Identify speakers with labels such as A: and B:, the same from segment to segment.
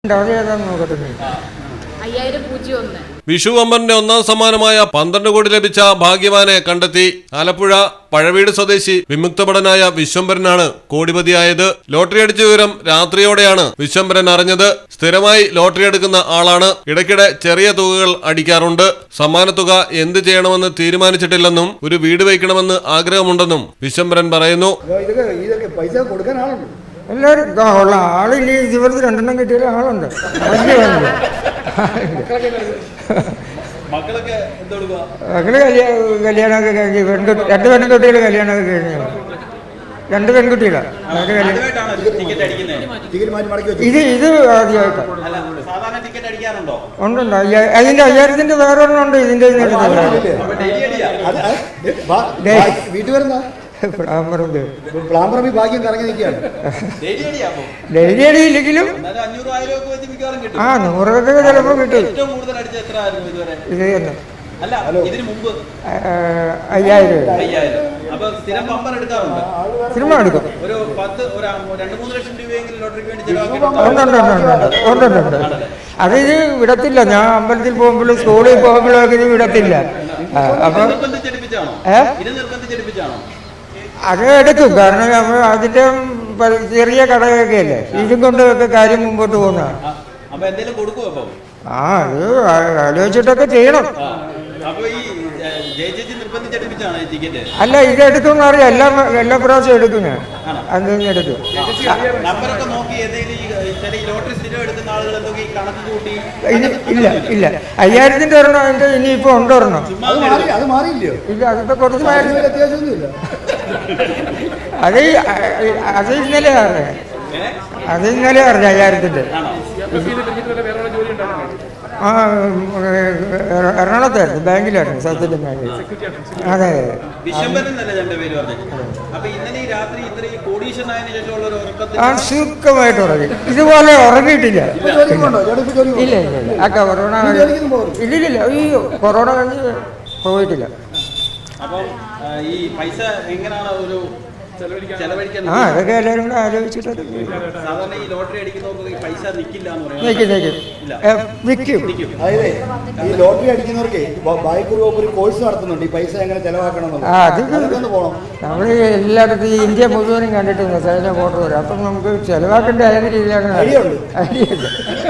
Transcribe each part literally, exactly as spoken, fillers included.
A: വിഷു അമ്പറിന്റെ ഒന്നാം സമ്മാനമായ പന്ത്രണ്ട് കോടി ലഭിച്ച ഭാഗ്യവാനെ കണ്ടെത്തി. ആലപ്പുഴ പഴവീട് സ്വദേശി വിമുക്തഭടനായ വിശ്വംഭരനാണ് കോടിപതിയായത്. ലോട്ടറി അടിച്ച വിവരം രാത്രിയോടെയാണ് വിശ്വംഭരൻ അറിഞ്ഞത്. സ്ഥിരമായി ലോട്ടറി എടുക്കുന്ന ആളാണ്. ഇടയ്ക്കിടെ ചെറിയ തുകകൾ അടിക്കാറുണ്ട്. സമ്മാനത്തുക എന്ത് ചെയ്യണമെന്ന് തീരുമാനിച്ചിട്ടില്ലെന്നും ഒരു വീട് വയ്ക്കണമെന്ന് ആഗ്രഹമുണ്ടെന്നും വിശ്വംഭരൻ പറയുന്നു.
B: എല്ലാവരും ഉള്ള ആളില്ല. ജീവിതത്തിൽ രണ്ടെണ്ണം കിട്ടിയ ആളുണ്ട്. മക്കള് കല്യാണമൊക്കെ കഴിഞ്ഞ് പെൺകുട്ടി രണ്ട് പെൺകുട്ടികൾ കല്യാണമൊക്കെ കഴിഞ്ഞു. രണ്ട് പെൺകുട്ടികളാണ്. ഇത് ഇത് ആദ്യമായിട്ടാണ്. ഉണ്ടുണ്ട്. അതിന്റെ അയ്യായിരത്തിന്റെ വേറെ ഒരെണ്ണം ഉണ്ട്. ഇതിന്റെ
C: വീട്ടിൽ വരുന്ന
B: ഡെയിലി അടിയില്ലെങ്കിലും ആ നൂറൊക്കെ ചിലപ്പോ കിട്ടും. ഇത് തന്നെ അയ്യായിരം സിനിമ എടുക്കും. ഉണ്ടുണ്ട്. അത് ഇത് വിടത്തില്ല. ഞാൻ അമ്പലത്തിൽ പോകുമ്പോഴും സ്കൂളിൽ പോകുമ്പോഴും ഒക്കെ ഇത് വിടത്തില്ല. അപ്പൊ ഏഹ് അത് എടുക്കും. കാരണം നമ്മൾ അതിന്റെ ചെറിയ കടയൊക്കെ അല്ലേ, ഇതും കൊണ്ടൊക്കെ കാര്യം മുമ്പോട്ട് പോകുന്നതാണ്. ആ അത് ആലോചിച്ചിട്ടൊക്കെ ചെയ്യണം. അല്ല ഇത് എടുക്കുമെന്ന് അറിയാം. എല്ലാ എല്ലാ പ്രാവശ്യം എടുക്കും. ഞാൻ അത് എടുക്കും. ഇല്ല ഇല്ല അയ്യായിരത്തിന്റെ ഒരെണ്ണം അതിന്റെ ഇനിയിപ്പോ ഉണ്ടൊരെണ്ണം. ഇല്ല അതിപ്പോ കുറച്ച് അത് അത് ഇന്നലെ അറിയാം. അത് ഇന്നലെ അറിഞ്ഞ അയ്യായിരത്തിന്റെ. ആ എറണാകുളത്തായിരുന്നു, ബാങ്കിലായിരുന്നു. സൗത്ത് ബാങ്കിൽ. അതെ ആ സുഖമായിട്ട് ഉറങ്ങി. ഇതുപോലെ ഉറങ്ങിയിട്ടില്ല. ഇല്ല ഇല്ല ആ കൊറോണ ഇല്ലില്ല. ഈ കൊറോണ കഴിഞ്ഞ് പോയിട്ടില്ല. ആ അതൊക്കെ എല്ലാവരും കൂടെ ആലോചിച്ചിട്ട് വിൽക്കും.
C: ഈ ലോട്ടറി അടിക്കുന്നവർക്ക് ഒരു കോഴ്സ് നടത്തുന്നുണ്ട്. ഈ പൈസ എങ്ങനെ ചെലവാക്കണം.
B: അത് നമ്മൾ എല്ലായിടത്തും ഈ ഇന്ത്യ മുഴുവനും കണ്ടിട്ടുണ്ട്. സൈന ഫോട്ടോ വരും. അപ്പം നമുക്ക് ചെലവാക്കേണ്ട ഏത് രീതിയിലാണ് ഐഡിയ.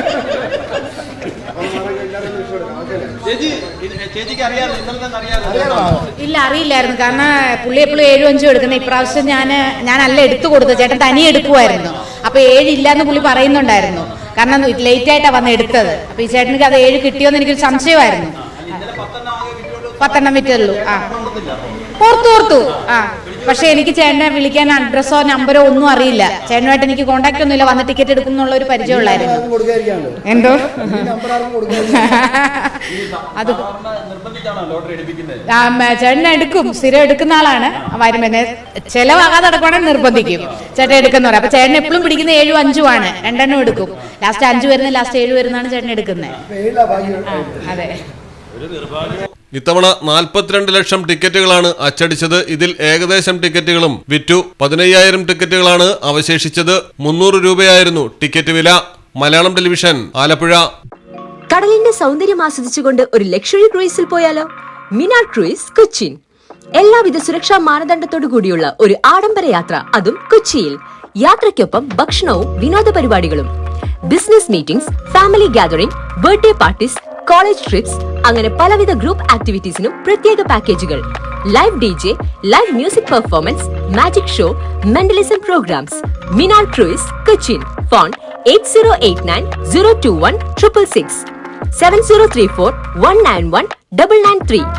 D: ഇല്ല അറിയില്ലായിരുന്നു. കാരണം പുള്ളി എപ്പോഴും ഏഴും അഞ്ചും എടുക്കുന്നത്. ഇപ്രാവശ്യം ഞാൻ ഞാനല്ല എടുത്തു കൊടുത്തത്. ചേട്ടൻ തനിയെ എടുക്കുമായിരുന്നു. അപ്പൊ ഏഴ് ഇല്ലാന്ന് പുള്ളി പറയുന്നുണ്ടായിരുന്നു. കാരണം ലേറ്റ് ആയിട്ടാണ് വന്ന് എടുത്തത്. അപ്പൊ ഈ ചേട്ടനിക്ക് അത് ഏഴ് കിട്ടിയോന്ന് എനിക്കൊരു സംശയമായിരുന്നു. പത്തെണ്ണം വിറ്റുള്ളൂ. ആ ഓർത്തു ഓർത്തു ആ പക്ഷെ എനിക്ക് ചേട്ടനെ വിളിക്കാൻ അഡ്രസ്സോ നമ്പറോ ഒന്നും അറിയില്ല. ചേട്ടനുമായിട്ട് എനിക്ക് കോണ്ടാക്ട് ഒന്നുമില്ല. വന്ന് ടിക്കറ്റ് എടുക്കും എന്നുള്ള ഒരു പരിചയമുള്ളായിരുന്നു. എന്തോ അത് ചേട്ടൻ എടുക്കും. സ്ഥിരം എടുക്കുന്ന ആളാണ്. വരും പിന്നെ ചെലവാകാതെ നടക്കുവാണെങ്കിൽ നിർബന്ധിക്കും. ചേട്ടൻ എടുക്കുന്ന പറയാം. അപ്പൊ ചേട്ടൻ എപ്പോഴും പിടിക്കുന്ന ഏഴും അഞ്ചും ആണ്. രണ്ടെണ്ണം എടുക്കും. ലാസ്റ്റ് അഞ്ചു വരുന്ന ലാസ്റ്റ് ഏഴ് വരുന്നതാണ് ചേട്ടൻ എടുക്കുന്നത്. അതെ.
A: ഇത്തവണ നാൽപ്പത്തിരണ്ട് ലക്ഷം ടിക്കറ്റുകളാണ് അച്ചടിച്ചത്. ഇതിൽ ഏകദേശം ടിക്കറ്റുകളും വിറ്റു. പതിനയ്യായിരം ടിക്കറ്റുകളാണ് അവശേഷിച്ചത്. മുന്നൂറ് രൂപയായിരുന്നു ടിക്കറ്റ് വില. മലയാളം ടെലിവിഷൻ, ആലപ്പുഴ.
E: കടലിന്റെ സൗന്ദര്യം ആസ്വദിച്ചുകൊണ്ട് ഒരു ലക്ഷറി ക്രൂയിസിൽ പോയാലോ? മിനാർ ക്രൂയിസ്, കൊച്ചിൻ. എല്ലാവിധ സുരക്ഷാ മാനദണ്ഡത്തോടു കൂടിയുള്ള ഒരു ആഡംബര യാത്ര, അതും കൊച്ചിയിൽ. യാത്രയ്ക്കൊപ്പം ഭക്ഷണവും വിനോദ പരിപാടികളും, business meetings, family gathering, birthday parties, college trips, അങ്ങനെ പലവിധ ഗ്രൂപ്പ് ആക്ടിവിറ്റീസിനും പ്രത്യേക പാക്കേജുകൾ. Live D J, live music performance, magic show, mentalism programmes. Minar cruise, Cochin. Phone eight zero eight nine zero two one triple six, seven zero three four one nine one double nine three.